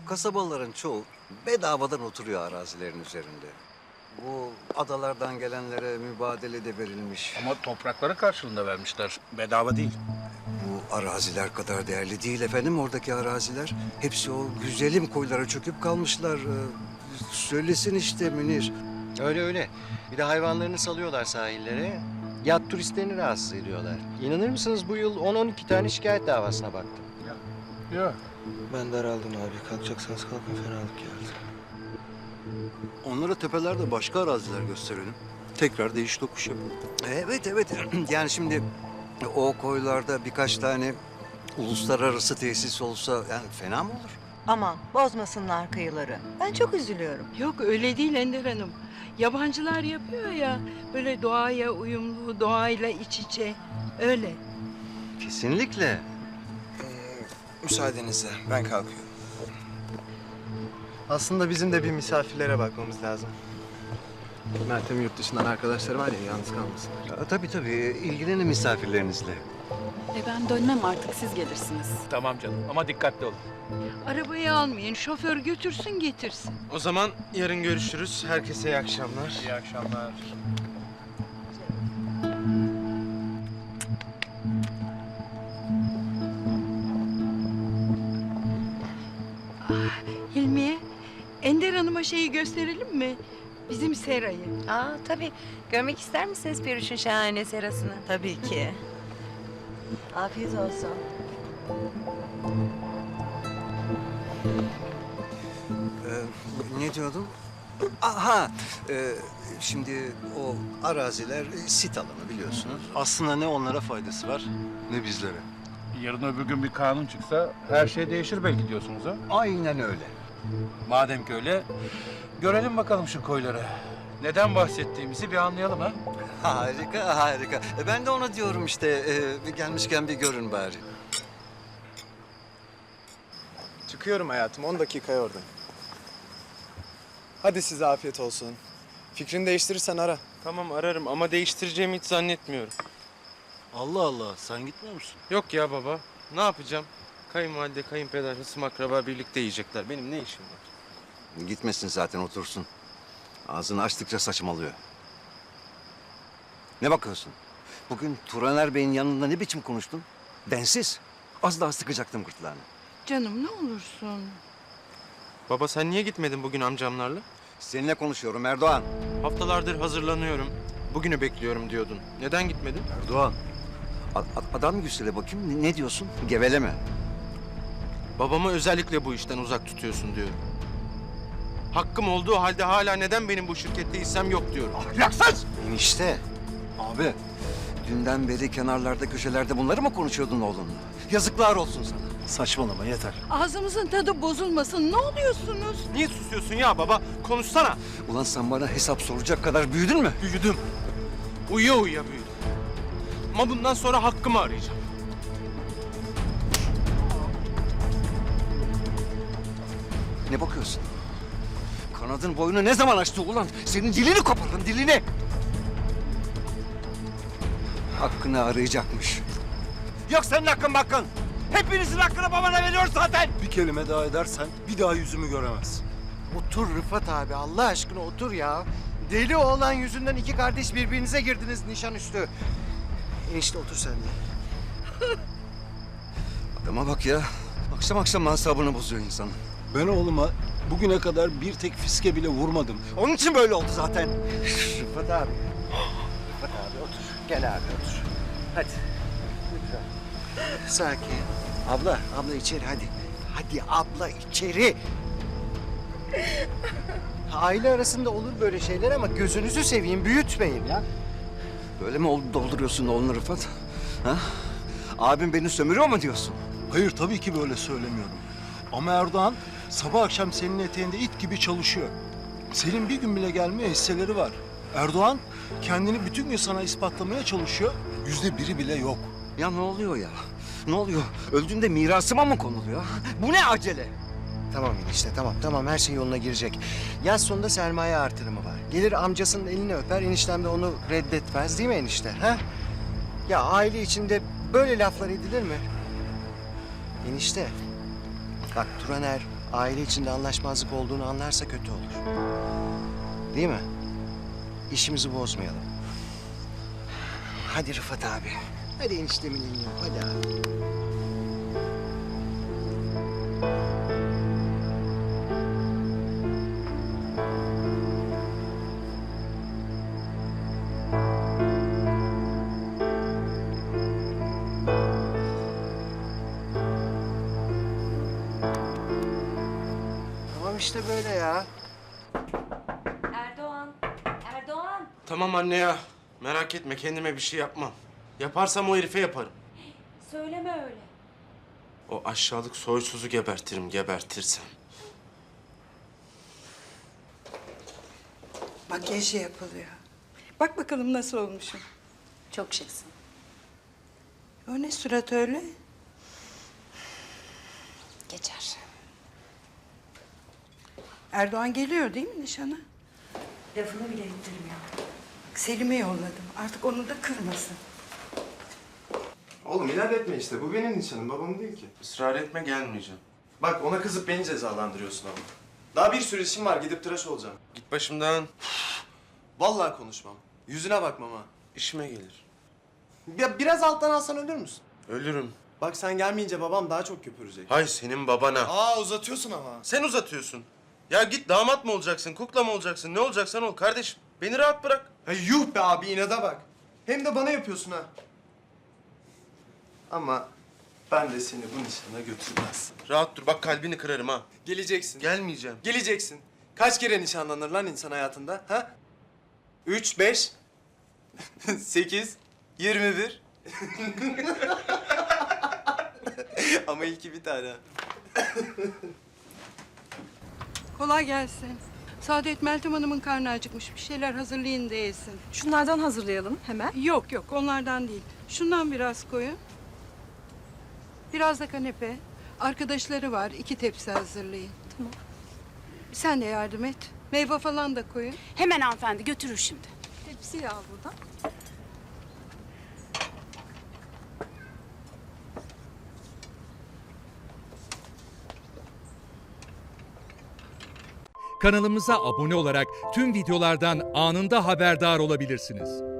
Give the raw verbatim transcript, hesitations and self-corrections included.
kasabaların çoğu bedavadan oturuyor arazilerin üzerinde. Bu adalardan gelenlere mübadele de verilmiş. Ama toprakları karşılığında vermişler. Bedava değil. Bu araziler kadar değerli değil efendim oradaki araziler. Hepsi o güzelim koylara çöküp kalmışlar. Ee, söylesin işte Münir. Öyle öyle. Bir de hayvanlarını salıyorlar sahillere. Yat turistlerini rahatsız ediyorlar. İnanır mısınız bu yıl on on iki tane şikayet davasına baktım. Yok. Ben daraldım abi. Kalkacaksanız kalkın, fenalık geldi. Onlara tepelerde başka araziler gösterelim. Tekrar değiş tokuş yapalım. Evet evet yani şimdi o koylarda birkaç tane uluslararası tesis olsa yani fena mı olur? Aman bozmasınlar kıyıları. Ben çok üzülüyorum. Yok öyle değil Ender Hanım. Yabancılar yapıyor ya böyle doğaya uyumlu, doğayla iç içe. Öyle. Kesinlikle. Ee, müsaadenizle ben kalkıyorum. Aslında bizim de bir misafirlere bakmamız lazım. Meltem yurt dışından arkadaşları var ya, yalnız kalmasın. Ya, tabii tabii ilgilenin misafirlerinizle. E ben dönmem artık, siz gelirsiniz. Tamam canım ama dikkatli olun. Arabayı almayın, şoför götürsün getirsin. O zaman yarın görüşürüz. Herkese iyi akşamlar. İyi akşamlar. Hilmiye, Ender Hanım'a şeyi gösterelim mi? Bizim serayı. Aa tabii. Görmek ister misiniz Peruş'un şahane serasını? Tabii ki. Afiyet olsun. Ee, ne diyordum? Aha, e, şimdi o araziler e, sit alanı biliyorsunuz. Aslında ne onlara faydası var ne bizlere. Yarın öbür gün bir kanun çıksa her şey değişir belki diyorsunuz ha? Aynen öyle. Madem ki öyle, görelim bakalım şu koyları. Neden bahsettiğimizi bir anlayalım ha? Harika, harika. E, ben de ona diyorum işte, e, bir gelmişken bir görün bari. Çıkıyorum hayatım, on dakikaya oradayım. Hadi size afiyet olsun. Fikrini değiştirirsen ara. Tamam ararım ama değiştireceğimi hiç zannetmiyorum. Allah Allah, sen gitmiyor musun? Yok ya baba. Ne yapacağım? Kayınvalide, kayınpeder, hısım akraba birlikte yiyecekler. Benim ne işim var? Gitmesin zaten otursun. Ağzını açtıkça saçmalıyor. Ne bakıyorsun? Bugün Turaner Bey'in yanında ne biçim konuştun? Densiz. Az daha sıkacaktım gırtlağını. Canım ne olursun. Baba sen niye gitmedin bugün amcamlarla? Seninle konuşuyorum Erdoğan. Haftalardır hazırlanıyorum. Bugünü bekliyorum diyordun. Neden gitmedin? Erdoğan. A- a- adam güçlere bakayım. Ne, ne diyorsun? Geveleme. Babamı özellikle bu işten uzak tutuyorsun diyorum. Hakkım olduğu halde hala neden benim bu şirkette hissem yok diyorum. Ahlaksız! Enişte. Abi. Dünden beri kenarlarda köşelerde bunları mı konuşuyordun oğlunla? Yazıklar olsun sana. Saçmalama yeter. Ağzımızın tadı bozulmasın. Ne oluyorsunuz? Niye susuyorsun ya baba? Konuşsana. Ulan sen bana hesap soracak kadar büyüdün mü? Büyüdüm. Uyuya uyuya büyüdüm. Ama bundan sonra hakkımı arayacağım. Ne bakıyorsun? Kanadın boyunu ne zaman açtı ulan? Senin dilini koparırım, dilini! Hakkını arayacakmış. Yok senin hakkın hakkın. Hepinizin hakkını babana veriyor zaten. Bir kelime daha edersen bir daha yüzümü göremezsin. Otur Rıfat abi, Allah aşkına otur ya. Deli oğlan yüzünden iki kardeş birbirinize girdiniz nişanüstü. Enişte otur sen de. Adama bak ya. Akşam akşam asabını bozuyor insanın. Ben oğluma bugüne kadar bir tek fiske bile vurmadım. Onun için böyle oldu zaten. Rıfat abi. Rıfat abi otur. Gel abi otur. Hadi. Lütfen. Sakin. Abla, abla içeri hadi. Hadi abla içeri. Aile arasında olur böyle şeyler ama gözünüzü seveyim büyütmeyin ya. Böyle mi ol- dolduruyorsun oğlunu Rıfat? Ha? Abim beni sömürüyor mu diyorsun? Hayır tabii ki böyle söylemiyorum. Ama Erdoğan sabah akşam senin eteğinde it gibi çalışıyor. Senin bir gün bile gelmeye hisseleri var. Erdoğan kendini bütün gün sana ispatlamaya çalışıyor. Yüzde biri bile yok. Ya ne oluyor ya? Ne oluyor? Öldüğünde mirasıma mı konuluyor? Bu ne acele? Tamam enişte tamam tamam her şey yoluna girecek. Yaz sonunda sermaye artırımı var. Gelir amcasının elini öper eniştem de onu reddetmez değil mi enişte? Ha? Ya aile içinde böyle laflar edilir mi? Enişte bak Turaner aile içinde anlaşmazlık olduğunu anlarsa kötü olur. Değil mi? İşimizi bozmayalım. Hadi Rıfat abi. Hadi eniştemin elini öp, hadi abi. Tamam işte böyle ya. Erdoğan, Erdoğan. Tamam anne ya. Merak etme kendime bir şey yapmam. Yaparsam o herife yaparım. Söyleme öyle. O aşağılık soysuzu gebertirim gebertirsem. Makyajı yapılıyor. Bak bakalım nasıl olmuşum. Çok şıksın. O ne surat öyle? Geçer. Erdoğan geliyor değil mi nişana? Lafını bile ettirmiyor. Bak, Selim'e yolladım. Artık onu da kırmasın. Oğlum inat etme işte. Bu benim nişanım. Babam değil ki. Israr etme gelmeyeceğim. Bak ona kızıp beni cezalandırıyorsun ama. Daha bir sürü işim var. Gidip tıraş olacağım. Git başımdan. Vallahi konuşmam. Yüzüne bakmam ha. İşime gelir. Ya biraz alttan alsan ölür müsün? Ölürüm. Bak sen gelmeyince babam daha çok köpürecek. Hay senin babana. Aa uzatıyorsun ama. Sen uzatıyorsun. Ya git damat mı olacaksın, kukla mı olacaksın, ne olacaksan ol kardeşim. Beni rahat bırak. Ha, yuh be abi inada bak. Hem de bana yapıyorsun ha. Ama ben de seni bu nişana götürmezsin. Rahat dur, bak kalbini kırarım ha. Geleceksin. Gelmeyeceğim. Geleceksin. Kaç kere nişanlanır lan insan hayatında ha? Üç, beş, sekiz, yirmi bir. Ama ilki bir tane. Kolay gelsin. Saadet Meltem Hanım'ın karnı acıkmış. Bir şeyler hazırlayın da yesin. Şunlardan hazırlayalım hemen. Yok yok onlardan değil. Şundan biraz koyun. Biraz da kanepe. Arkadaşları var. iki tepsi hazırlayın. Tamam. Sen de yardım et. Meyve falan da koyun. Hemen hanımefendi götürür şimdi. Tepsiyi al buradan. Kanalımıza abone olarak tüm videolardan anında haberdar olabilirsiniz.